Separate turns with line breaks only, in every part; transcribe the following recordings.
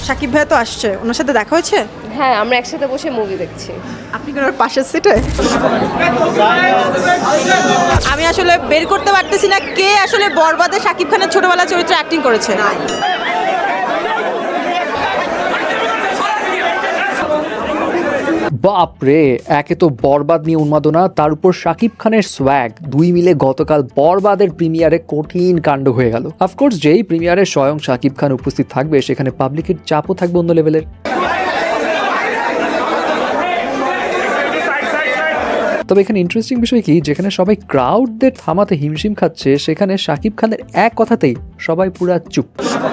সাকিব ভাইয়া তো আসছে, ওনার সাথে দেখা হয়েছে?
হ্যাঁ, আমরা একসাথে বসে মুভি দেখছি।
আপনি কি ওনার পাশের সিটে? আমি আসলে বের করতে পারতেছি না কে আসলে বরবাদে সাকিব খানের ছোটবেলা চরিত্রে অ্যাক্টিং করেছে।
বাপরে, একে তো বরবাদ নিয়ে উন্মাদনা, তার উপর শাকিব খানের সোয়াগ, দুই মিলে গতকাল বরবাদের প্রিমিয়ারে কঠিন কাণ্ড হয়ে গেল। অফকোর্স যেই প্রিমিয়ারে স্বয়ং শাকিব খান উপস্থিত থাকবে সেখানে পাবলিকের চাপও থাকবে অন্য লেভেলের। তবে এখানে ইন্টারেস্টিং বিষয় কি, যেখানে সবাই ক্রাউডদের থামাতে হিমশিম খাচ্ছে সেখানে শাকিব খানের এক কথাতেই সবাই পুরা চুপ।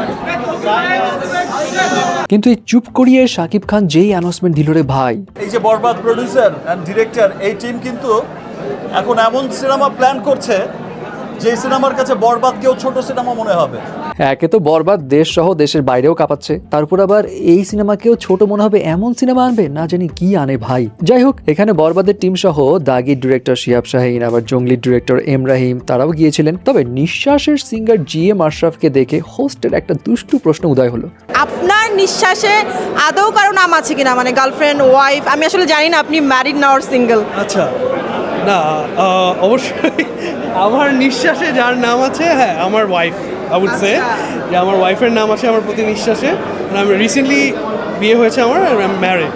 কিন্তু এই চুপ করিয়ে শাকিব খান যেই অ্যানাউন্সমেন্ট দিল রে ভাই,
এই যে বরবাদ প্রোডিউসার অ্যান্ড ডিরেক্টর, এই টিম কিন্তু এখন এমন সিনেমা প্ল্যান করছে যে সিনেমার কাছে বরবাদকেও ছোট সিনেমা মনে হবে।
একে তো বরবাদ দেশ সহ দেশের বাইরেও কাঁপাচ্ছে, তারপর আবার এই সিনেমাকেও ছোট মনে হবে এমন সিনেমা আনবে, না জানি কি আনে ভাই। যাই হোক, এখানে বরবাদের টিম সহ দাগির ডিরেক্টর শিহাব শাহীন, আবার জঙ্গলির ডিরেক্টর এম রাহিম তারাও গিয়েছিলেন। তবে নিঃশ্বাসের সিঙ্গার GM আশরাফকে দেখে হোস্টের একটা দুষ্টু প্রশ্ন উদয় হলো,
আপনার নিঃশ্বাসে আদৌ কারো নাম আছে কিনা, মানে গার্লফ্রেন্ড, ওয়াইফ? আমি আসলে জানি না আপনি ম্যারিড না অর সিঙ্গেল।
আচ্ছা, না অবশ্যই আমার নিঃশ্বাসে যার নাম আছে, হ্যাঁ আমার ওয়াইফ। আই উড সে যে আমার ওয়াইফের নাম আছে আমার প্রতি নিঃশ্বাসে। আমি রিসেন্টলি বিয়ে হয়েছে আমার, ম্যারিড।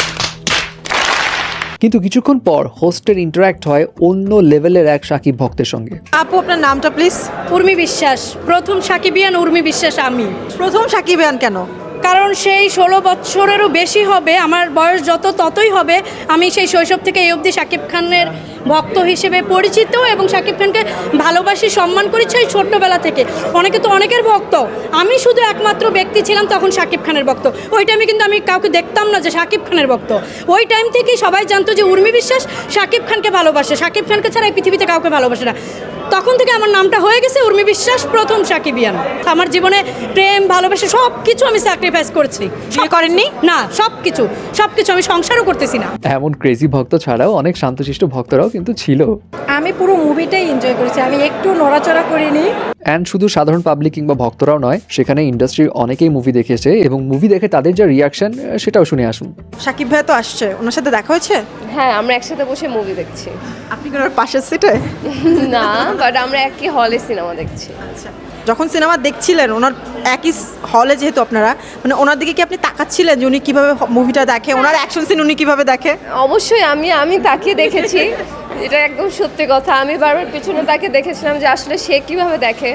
কিন্তু কিছুক্ষণ পর হোস্টের ইন্টারাক্ট হয় অন্য লেভেলের এক সাকিব ভক্তের সঙ্গে।
আপু, আপনার নামটা প্লিজ?
উর্মি বিশ্বাস, প্রথম সাকিবিয়ান উর্মি বিশ্বাস আমি।
প্রথম সাকিবিয়ান কেন?
কারণ সেই 16 বছরেরও বেশি হবে, আমার বয়স যত ততই হবে। আমি সেই শৈশব থেকে এই অবধি শাকিব খানের ভক্ত হিসেবে পরিচিত এবং শাকিব খানকে ভালোবাসি, সম্মান করি সেই ছোট্টবেলা থেকে। অনেকে তো অনেকের ভক্ত, আমি শুধু একমাত্র ব্যক্তি ছিলাম তখন শাকিব খানের ভক্ত। ওই টাইমে কিন্তু আমি কাউকে দেখতাম না যে শাকিব খানের ভক্ত। ওই টাইম থেকেই সবাই জানতো যে উর্মি বিশ্বাস শাকিব খানকে ভালোবাসে, শাকিব খানকে ছাড়া এই পৃথিবীতে কাউকে ভালোবাসে না। তখন থেকে আমার নামটা হয়ে গেছে উর্মি বিশ্বাস, প্রথম সাকিবিয়ান। আমার জীবনে প্রেম, ভালোবাসা সব কিছু আমি স্যাক্রিফাইস করেছি।
বিয়ে করেননি?
না, সব কিছু আমি সংসারও করতেছি না।
এমন ক্রেজি ভক্ত ছাড়াও অনেক শান্তশিষ্ট ভক্তরাও কিন্তু ছিল।
আমি পুরো মুভিটাই এনজয় করেছি, আমি একটু নড়াচড়া করিনি।
অ্যান্ড শুধু সাধারণ পাবলিক কিংবা ভক্তরাও নয়, সেখানে ইন্ডাস্ট্রির অনেকেই মুভি দেখেছে এবং মুভি দেখে তাদের যা রিয়াকশন সেটাও শুনে আসুন।
সাকিব ভাইয়া তো আসছে, ওনার সাথে দেখা হয়েছে?
হ্যাঁ, আমরা একসাথে বসে মুভি দেখছি।
আপনি কি ওনার পাশের সিটে?
না, বাট আমরা একই হলে সিনেমা দেখছি।
আচ্ছা, যখন সিনেমা দেখছিলেন ওনার একই হলে, যেহেতু আপনারা, মানে ওনার দিকে কি আপনি তাকাচ্ছিলেন যে উনি কীভাবে মুভিটা দেখে, ওনার অ্যাকশন সিন উনি কীভাবে দেখে?
অবশ্যই আমি তাকে দেখেছি, এটা একদম সত্যি কথা। আমি বারবার পিছনে তাকে দেখেছিলাম যে আসলে সে কীভাবে দেখে।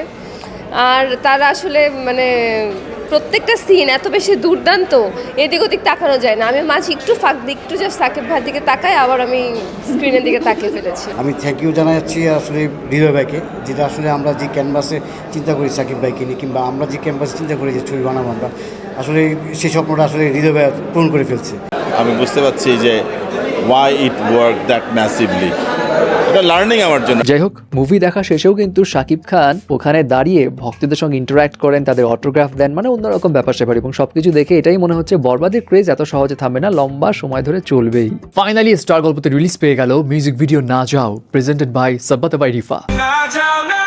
আর তার আসলে মানে প্রত্যেকটা সিন এত বেশি দুর্দান্ত, এদিক ওদিক তাকানো যায় না। আমি মাঝে একটু ফাঁক দিই, একটু জাস্ট সাকিব ভাইয়ের দিকে তাকাই, আবার আমি স্ক্রিনের দিকে তাকিয়ে ফেলেছি।
আমি থ্যাংক ইউ জানাচ্ছি আসলে হৃদয় ভাইকে, যেটা আসলে আমরা যে ক্যানভাসে চিন্তা করি সাকিব ভাইকে নিয়ে, কিংবা আমরা যে ক্যানভাসে চিন্তা করি যে ছবি বানাবো আমরা, আসলে সেই স্বপ্নটা আসলে হৃদয় ভাই পূরণ করে ফেলছে।
আমি বুঝতে পারছি যে why it work that massively, এটা লার্নিং আমার জন্য।
যাই হোক, মুভি দেখা শেষেও কিন্তু শাকিব খান ওখানে দাঁড়িয়ে ভক্তদের সঙ্গে ইন্টারাক্ট করেন, তাদের অটোগ্রাফ দেন, মানে অন্যরকম ব্যাপার স্যাপার। এবং সবকিছু দেখে এটাই মনে হচ্ছে বরবাদের ক্রেজ এত সহজে থামবে না, লম্বা সময় ধরে চলবেই। ফাইনালি স্টার গল্পতে রিলিজ পেয়ে গেল মিউজিক ভিডিও না যাও, presented by Sabbat by Rifa.